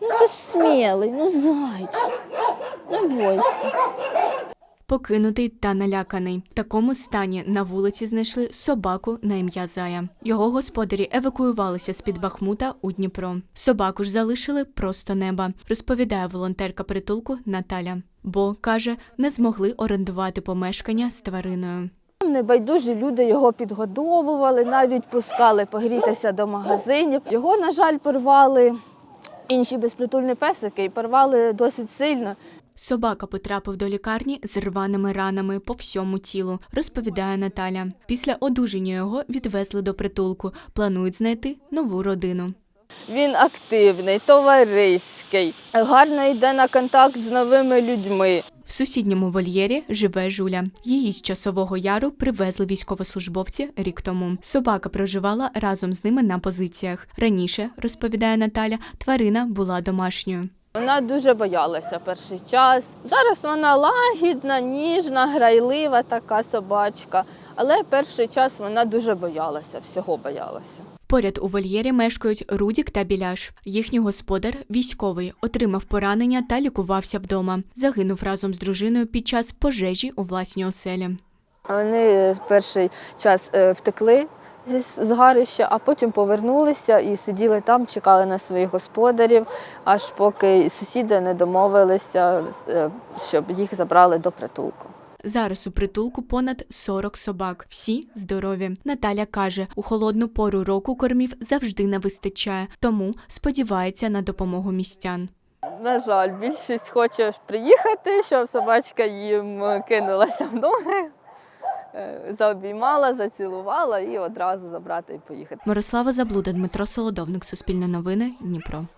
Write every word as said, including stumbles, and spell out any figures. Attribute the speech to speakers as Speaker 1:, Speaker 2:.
Speaker 1: Ну ти ж смілий, ну зайчик, не бойся.
Speaker 2: Покинутий та наляканий. В такому стані на вулиці знайшли собаку на ім'я Зая. Його господарі евакуювалися з-під Бахмута у Дніпро. Собаку ж залишили просто неба, розповідає волонтерка притулку Наталя. Бо, каже, не змогли орендувати помешкання з твариною.
Speaker 1: Небайдужі люди його підгодовували, навіть пускали погрітися до магазинів. Його, на жаль, порвали інші безпритульні песики і порвали досить сильно.
Speaker 2: Собака потрапив до лікарні з рваними ранами по всьому тілу, розповідає Наталя. Після одужання його відвезли до притулку. Планують знайти нову родину.
Speaker 1: Він активний, товариський, гарно йде на контакт з новими людьми.
Speaker 2: В сусідньому вольєрі живе Жуля. Її з Часового Яру привезли військовослужбовці рік тому. Собака проживала разом з ними на позиціях. Раніше, розповідає Наталя, тварина була домашньою.
Speaker 1: Вона дуже боялася перший час. Зараз вона лагідна, ніжна, грайлива така собачка. Але перший час вона дуже боялася, всього боялася.
Speaker 2: Поряд у вольєрі мешкають Рудік та Біляш. Їхній господар, військовий, отримав поранення та лікувався вдома. Загинув разом з дружиною під час пожежі у власній оселі.
Speaker 1: Вони перший час втекли зі згарища, а потім повернулися і сиділи там, чекали на своїх господарів, аж поки сусіди не домовилися, щоб їх забрали до притулку.
Speaker 2: Зараз у притулку понад сорок собак. Всі здорові. Наталя каже, у холодну пору року кормів завжди не вистачає, тому сподівається на допомогу містян.
Speaker 1: На жаль, більшість хоче приїхати, щоб собачка їм кинулася в ноги, заобіймала, зацілувала і одразу забрати і поїхати.
Speaker 2: Мирослава Заблуда, Дмитро Солодовник, Суспільне новини, Дніпро.